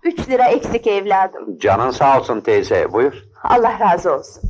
3 lira eksik evladım. Canın sağ olsun teyze, buyur. Allah razı olsun.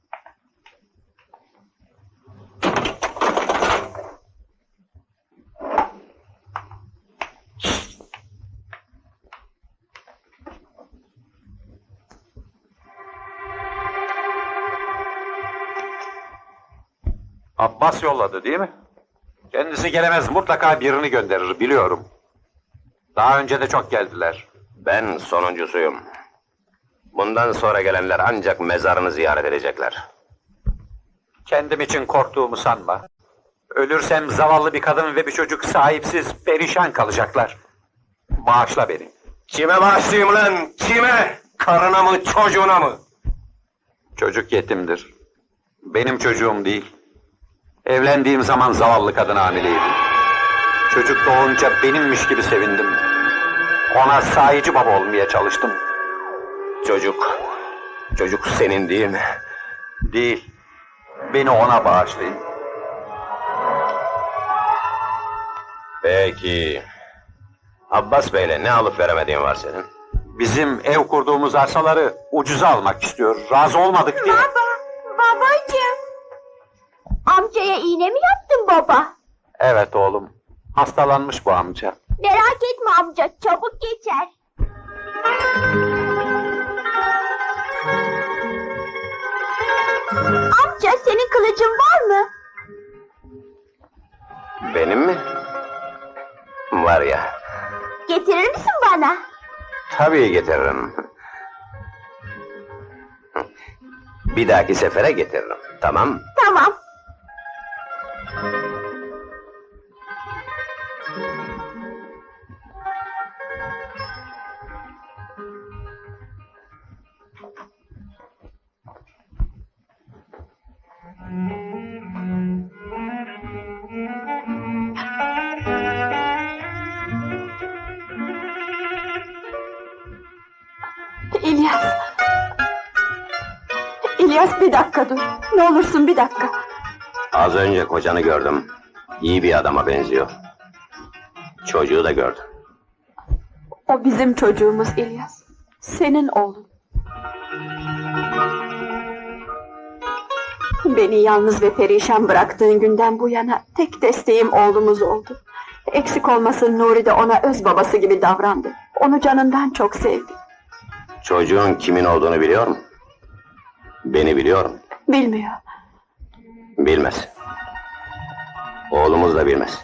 Abbas yolladı değil mi? Kendisi gelemez, mutlaka birini gönderir, biliyorum. Daha önce de çok geldiler. Ben sonuncusuyum. Bundan sonra gelenler ancak mezarını ziyaret edecekler. Kendim için korktuğumu sanma. Ölürsem zavallı bir kadın ve bir çocuk sahipsiz, perişan kalacaklar. Bağışla beni. Kime bağışlayayım lan? Kime? Karına mı, çocuğuna mı? Çocuk yetimdir. Benim çocuğum değil. Evlendiğim zaman zavallı kadın hamileydi. Çocuk doğunca benimmiş gibi sevindim. Ona sahici baba olmaya çalıştım. Çocuk senin değil mi? Değil. Beni ona bağışlayın. Peki. Abbas Bey'le ne alıp veremediğin var senin? Bizim ev kurduğumuz arsaları ucuza almak istiyor. Razı olmadık diye. Babacığım. Amcaya iğne mi yaptın baba? Evet oğlum. Hastalanmış bu amca. Merak etme amca, çabuk geçer. Amca, senin kılıcın var mı? Benim mi? Var ya. Getirir misin bana? Tabii getiririm. Bir dahaki sefere getiririm. Tamam. Tamam. İlyas. İlyas, bir dakika dur. Ne olursun bir dakika. Az önce kocanı gördüm. İyi bir adama benziyor. Çocuğu da gördüm. O bizim çocuğumuz İlyas. Senin oğlun. Beni yalnız ve perişan bıraktığın günden bu yana tek desteğim oğlumuz oldu. Eksik olmasın, Nuri de ona öz babası gibi davrandı. Onu canından çok sevdi. Çocuğun kimin olduğunu biliyor mu? Beni biliyor mu? Bilmiyor. Bilmez. Oğlumuz da bilmez.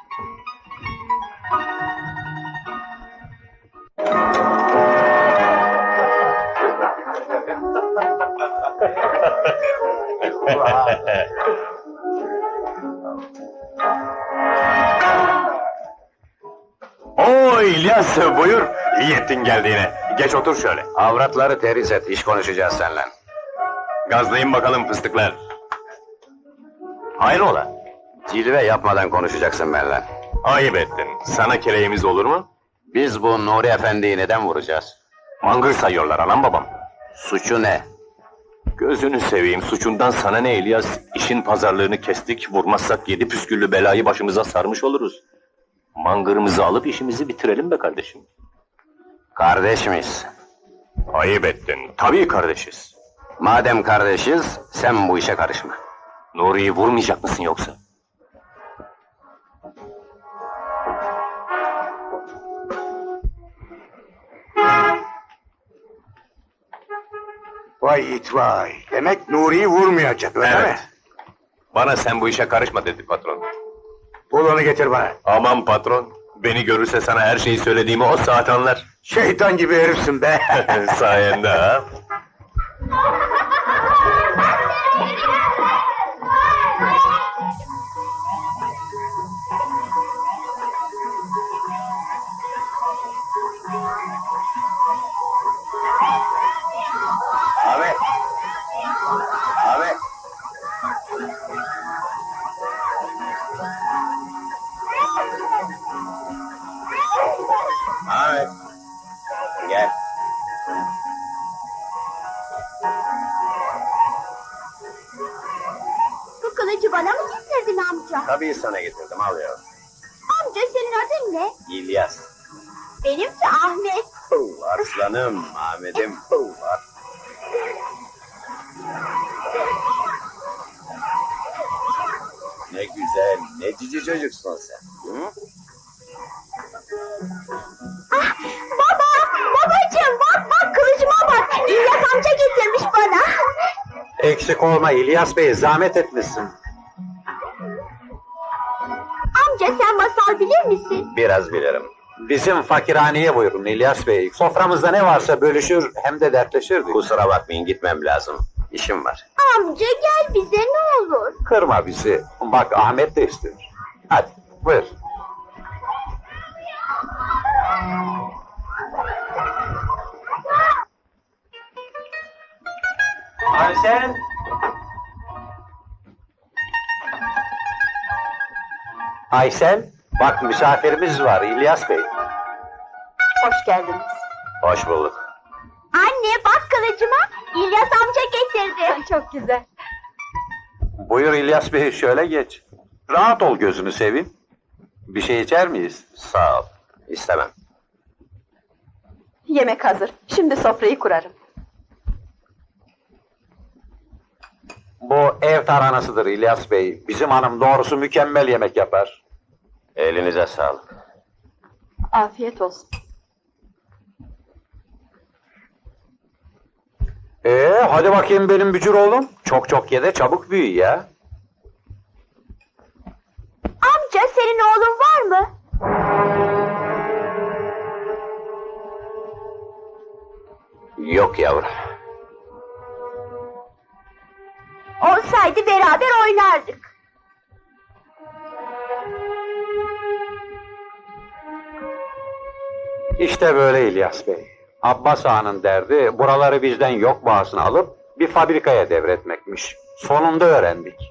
Oo İlyas, buyur. İyi ettin geldiğine. Geç otur şöyle. Avratları teriz et, iş konuşacağız seninle. Gazlayın bakalım fıstıklar. Hayrola? Cilve yapmadan konuşacaksın benimle. Ayıp ettin. Sana kereğimiz olur mu? Biz bu Nuri Efendi'yi neden vuracağız? Mangır sayıyorlar anam babam. Suçu ne? Gözünü seveyim, suçundan sana ne İlyas? İşin pazarlığını kestik, vurmazsak 7 püsküllü belayı başımıza sarmış oluruz. Mangırımızı alıp işimizi bitirelim be kardeşim. Kardeş miyiz? Ayıp ettin. Tabii kardeşiz. Madem kardeşiz, sen bu işe karışma. Nuri'yi vurmayacak mısın yoksa? Vay it vay. Demek Nuri'yi vurmayacak öyle mi? Evet. Bana sen bu işe karışma dedi patron. Bul onu getir bana. Aman patron, beni görürse sana her şeyi söylediğimi o saat anlar. Şeytan gibi herifsin be. Sayende ha. Abi! Abi! Ahmet! Gel. Bu kılıcı bana mı getirdin amca? Tabii sana getirdim, al ya. Amca, senin adın ne? İlyas. Benimki Ahmet. Arslanım, Ahmet'im. Ne güzel, ne cici çocuksun sen. Hı? Babacığım bak kılıcıma bak. İlyas amca getirmiş bana. Eksik olma İlyas Bey, zahmet etmişsin. Amca sen masal bilir misin? Biraz bilirim. Bizim fakirhaneye buyurun İlyas Bey. Soframızda ne varsa bölüşür hem de dertleşirdik. Kusura bakmayın, gitmem lazım. İşim var. Amca gel bize ne olur. Kırma bizi. Bak Ahmet de istiyor. Hadi buyur. Ayşen. Ayşen, bak misafirimiz var İlyas Bey. Hoş geldiniz. Hoş bulduk. Anne bak kılıcıma. İlyas amca getirdi. Çok güzel. Buyur İlyas Bey, şöyle geç. Rahat ol, gözünü seveyim. Bir şey içer miyiz? Sağ ol. İstemem. Yemek hazır. Şimdi sofrayı kurarım. Bu ev taranasıdır İlyas Bey. Bizim hanım doğrusu mükemmel yemek yapar. Elinize sağlık. Afiyet olsun. Hadi bakayım benim bücür oğlum. Çok çok ye de çabuk büyü ya. Amca senin oğlun var mı? Yok yavrum. Olsaydı beraber oynardık. İşte böyle İlyas Bey. Abbas Ağa'nın derdi buraları bizden yok bağısına alıp bir fabrikaya devretmekmiş. Sonunda öğrendik.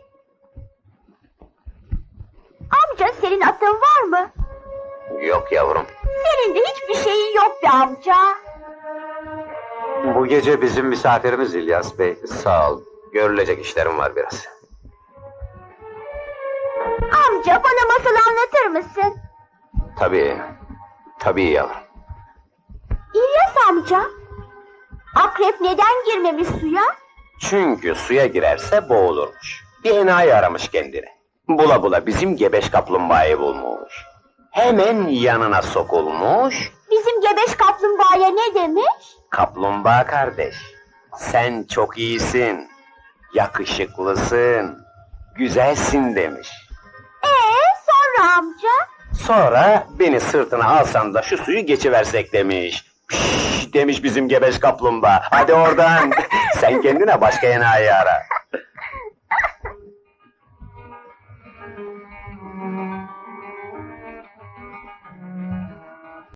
Amca senin atın var mı? Yok yavrum. Senin de hiçbir şeyin yok be amca. Bu gece bizim misafirimiz İlyas Bey. Sağ ol. Görülecek işlerim var biraz. Amca bana masal anlatır mısın? Tabii. Tabii yavrum. İlyas amca. Akrep neden girmemiş suya? Çünkü suya girerse boğulurmuş. Bir enayi aramış kendini. Bula bula bizim gebeş kaplumbağayı bulmuş. Hemen yanına sokulmuş. Bizim gebeş kaplumbağaya ne demiş? Kaplumbağa kardeş, sen çok iyisin, yakışıklısın, güzelsin demiş. Sonra amca? Sonra beni sırtına alsan da şu suyu geçiversek demiş. Piş demiş bizim gebeş kaplumbağa. Hadi oradan. Sen kendine başka enayi ara.